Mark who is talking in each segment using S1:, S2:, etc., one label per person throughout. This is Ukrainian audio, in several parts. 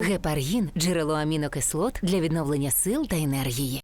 S1: Гепаргін – джерело амінокислот для відновлення сил та енергії.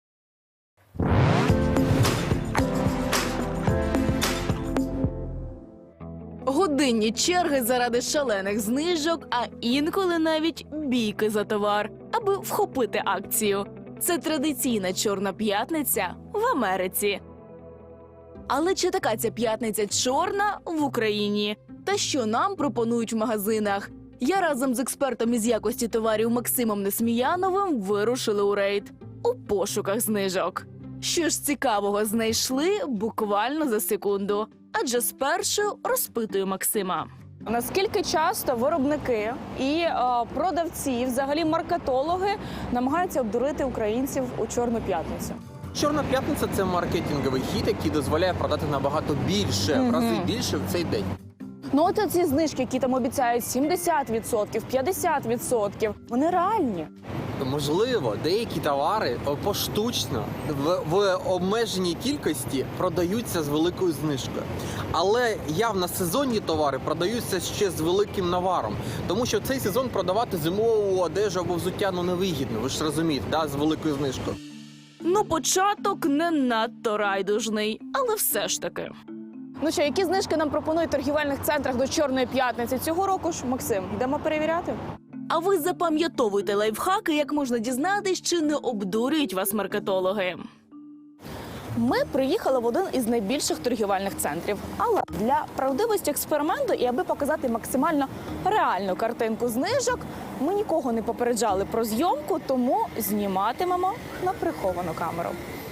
S2: Годинні черги заради шалених знижок, а інколи навіть бійки за товар, аби вхопити акцію. Це традиційна Чорна п'ятниця в Америці. Але чи така ця п'ятниця чорна в Україні? Та що нам пропонують в магазинах? Я разом з експертом із якості товарів Максимом Несміяновим вирушили у рейд у пошуках знижок. Що ж цікавого знайшли буквально за секунду. Адже спершу розпитую Максима.
S3: Наскільки часто виробники і продавці, взагалі маркетологи, намагаються обдурити українців у Чорну п'ятницю?
S4: Чорна п'ятниця – це маркетинговий хід, який дозволяє продати набагато більше, в рази більше в цей день.
S3: Ну от ці знижки, які там обіцяють 70%, 50%, вони реальні.
S4: Можливо, деякі товари поштучно в обмеженій кількості продаються з великою знижкою. Але явно сезонні товари продаються ще з великим наваром. Тому що в цей сезон продавати зимову одежу або взуття невигідно, ви ж розумієте, да, з великою знижкою.
S2: Ну, початок не надто райдужний, але все ж таки.
S3: Ну що, які знижки нам пропонують в торгівельних центрах до Чорної п'ятниці цього року ж? Максим, йдемо перевіряти?
S2: А ви запам'ятовуйте лайфхаки, як можна дізнатись, чи не обдурюють вас маркетологи.
S3: Ми приїхали в один із найбільших торгівельних центрів. Але для правдивості експерименту і аби показати максимально реальну картинку знижок, ми нікого не попереджали про зйомку, тому зніматимемо на приховану камеру.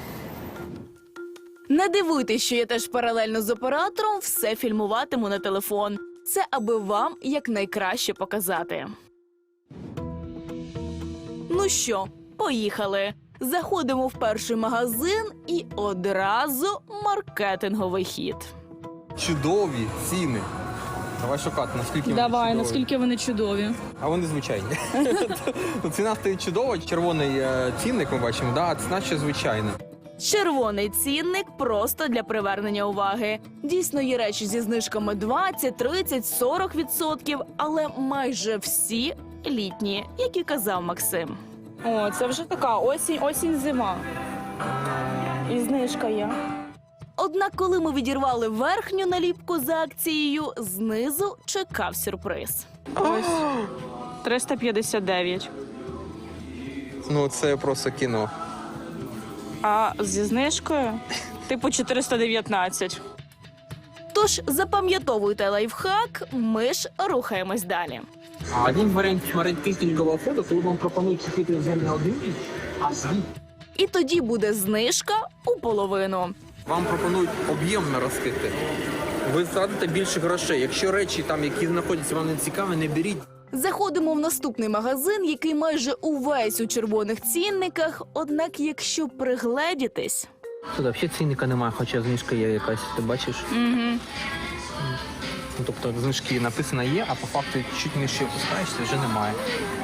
S2: Не дивуйтесь, що я теж паралельно з оператором все фільмуватиму на телефон. Це аби вам якнайкраще показати. Ну що, поїхали. Заходимо в перший магазин і одразу маркетинговий хід.
S4: Чудові ціни. Давай шукати, наскільки вони
S3: Давай,
S4: чудові.
S3: наскільки вони чудові.
S4: А вони звичайні. Ціна стоїть чудова, червоний цінник ми бачимо, да, а ціна ще звичайна.
S2: Червоний цінник просто для привернення уваги. Дійсно, є речі зі знижками 20, 30, 40%, але майже всі літні, як і казав Максим.
S3: О, це вже така осінь-зима. І знижка є.
S2: Однак, коли ми відірвали верхню наліпку за акцією, знизу чекав сюрприз.
S3: Ось 359.
S4: Ну, це просто кіно.
S3: А зі знижкою типу 419.
S2: Тож запам'ятовуйте лайфхак, ми ж рухаємось далі.
S4: Один варіант маркетингового ходу, коли вам пропонують купити вже не один, а дві.
S2: І тоді буде знижка у половину.
S4: Вам пропонують об'ємно розкрити. Ви втратите більше грошей. Якщо речі, там, які знаходяться, вам не цікаві, не беріть.
S2: Заходимо в наступний магазин, який майже увесь у червоних цінниках, однак якщо пригледітись...
S4: Тут взагалі цінника немає, хоча знижка є якась, ти бачиш?
S3: Угу.
S4: Ну, тобто знижки написано є, а по факту чуть нижче опускаєшся, вже немає.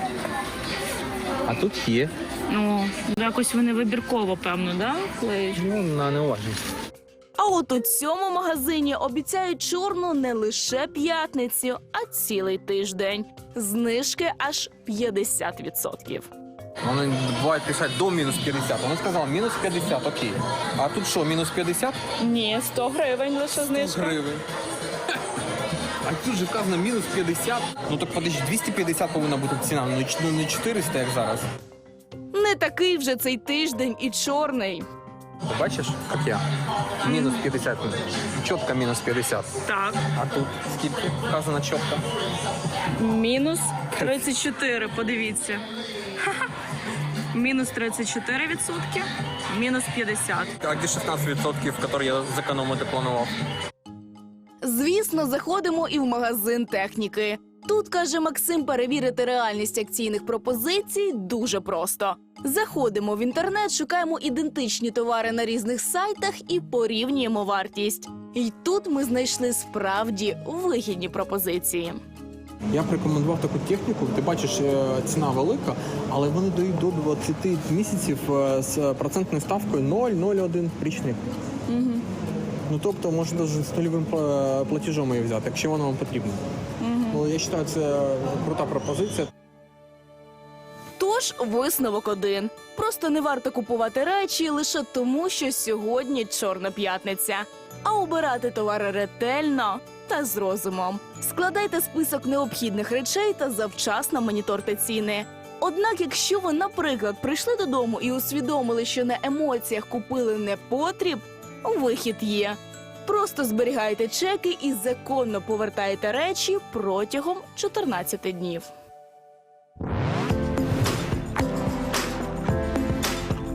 S4: А тут є.
S3: Ну, якось вони вибірково, певно, да? Клеють?
S4: Ну, на неуважність.
S2: А от у цьому магазині обіцяють чорну не лише п'ятницю, а цілий тиждень. Знижки аж 50%.
S4: Вони бувають писати до мінус 50. Вони сказали, мінус 50, окей. А тут що, мінус 50?
S3: Ні, 100 гривень лише знижка.
S4: Гривень. А тут же вказано мінус 50. Ну так подожди, 250 повинна бути ціна, ну не 400, як зараз.
S2: Не такий вже цей тиждень і чорний.
S4: Ти бачиш, як я? Мінус 50. Чітко мінус 50.
S3: Так.
S4: А тут скільки вказано чітко?
S3: Мінус 34, подивіться. Мінус 34%, мінус 50.
S4: А де 16%, які я зекономити планував?
S2: Звісно, заходимо і в магазин техніки. Тут, каже Максим, перевірити реальність акційних пропозицій дуже просто. Заходимо в інтернет, шукаємо ідентичні товари на різних сайтах і порівнюємо вартість. І тут ми знайшли справді вигідні пропозиції.
S4: Я б рекомендував таку техніку. Ти бачиш, ціна велика, але вони дають до 20 місяців з процентною ставкою 0,01 річних.
S3: Угу.
S4: Ну, тобто, можна навіть з нульовим платежом її взяти, якщо воно вам потрібно.
S3: Угу.
S4: Ну, я вважаю, це крута пропозиція.
S2: Тож, висновок один. Просто не варто купувати речі лише тому, що сьогодні Чорна п'ятниця. А обирати товари ретельно та з розумом. Складайте список необхідних речей та завчасно моніторте ціни. Однак, якщо ви, наприклад, прийшли додому і усвідомили, що на емоціях купили непотріб, вихід є. Просто зберігайте чеки і законно повертайте речі протягом 14 днів.